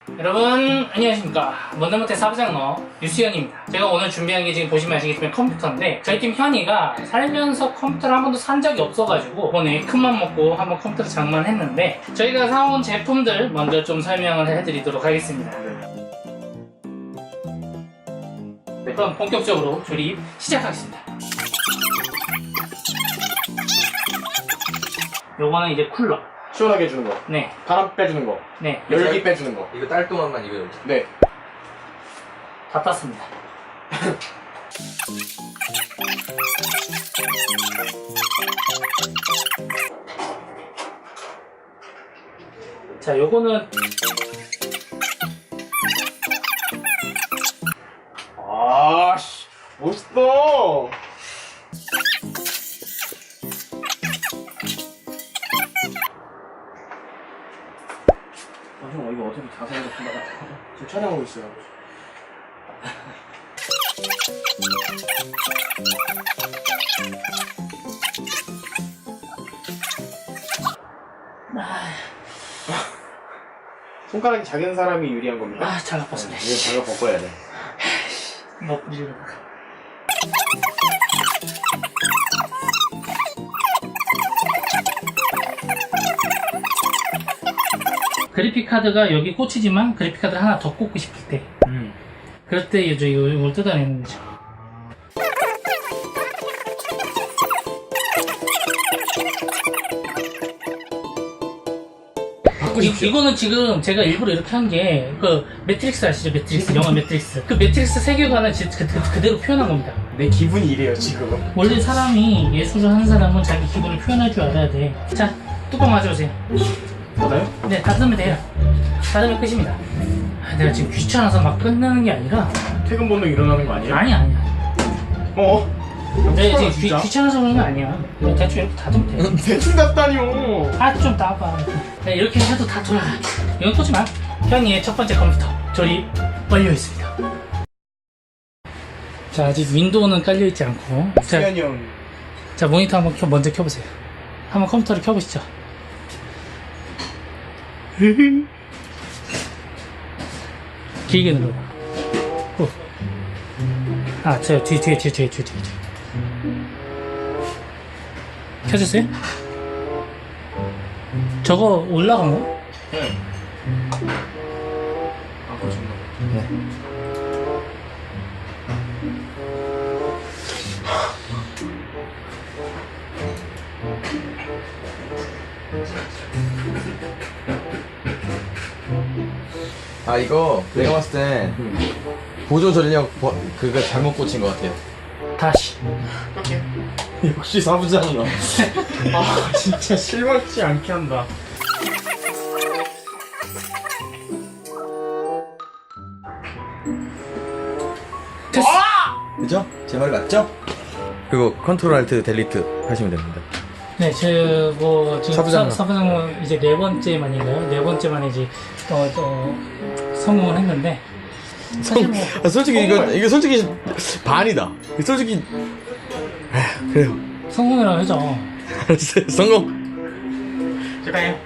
여러분 안녕하십니까. 못내못해 사부장너 유수현입니다. 제가 오늘 준비한 게 지금 보시면 아시겠지만 컴퓨터인데, 저희 팀 현이가 살면서 컴퓨터를 한 번도 산 적이 없어가지고 이번에 큰맘 먹고 한번 컴퓨터를 장만했는데, 저희가 사온 제품들 먼저 좀 설명을 해드리도록 하겠습니다. 네, 그럼 본격적으로 조립 시작하겠습니다. 요거는 이제 쿨러. 시원하게 해주는 거. 네. 바람 빼주는 거. 네. 열기 빼주는 거. 이거 딸 동안만 이거 열자. 네. 다 땄습니다. 자, 요거는 아씨, 멋있어. 형 이거 어차피 자세히로 끝나가. 지금 촬영하고 있어요. 손가락이 작은 사람이 유리한 겁니까? 아, 잘 나빴습니다. 이거 장갑 벗어야 돼. 이거 부리려다가. 그래픽카드가 여기 꽂히지만 그래픽카드를 하나 더 꽂고 싶을 때, 그럴 때 이제 이걸 뜯어내는 거죠. 이거는 지금 제가 일부러 이렇게 한 게, 그 매트릭스 아시죠? 매트릭스, 영화 매트릭스. 그 매트릭스 세계관을 그대로 표현한 겁니다. 내 기분이 이래요 지금. 원래 사람이 예술을 하는 사람은 자기 기분을 표현할 줄 알아야 돼. 자, 뚜껑 맞아보세요. 닫아요? 네, 닫으면 돼요. 닫으면 끝입니다. 아, 내가 지금 귀찮아서 막 끝나는 게 아니라. 퇴근 본능 일어나는 거 아니에요? 아니야. 어? 내가 지금 진짜? 귀찮아서 그런 거 아니야. 그냥 대충 이렇게 닫으면 돼. 대충 닫다니요. 아, 좀 따봐. 네, 이렇게 해도 다 돌아. 이건 꽂지 마. 현이의 첫 번째 컴퓨터 조립 완료했습니다. 자, 아직 윈도우는 깔려있지 않고. 수현이 형. 자, 모니터 한번 먼저 켜보세요. 한번 컴퓨터를 켜보시죠. 길게 눌러봐. 아, 저 뒤에. 켜졌어요? 저거 올라간 거? 네. 아, 그렇습니다. 네. 아 이거 내가 봤을 땐 보조 전력 그거 잘못 꽂힌 것 같아요. 다시. 역시 사부장이야. 아 진짜 실망치 않게 한다. 됐어. 그죠? 제 말 맞죠? 그리고 컨트롤 알트 델리트 하시면 됩니다. 네, 지금 사부장은? 사부장은 이제 네 번째 만인가요? 네 번째 만에 이제 성공을 했는데, 사실 뭐 솔직히 이거 솔직히 반이다. 솔직히 그래요. 성공이라고 하죠. 알았어요. 성공. 제가요.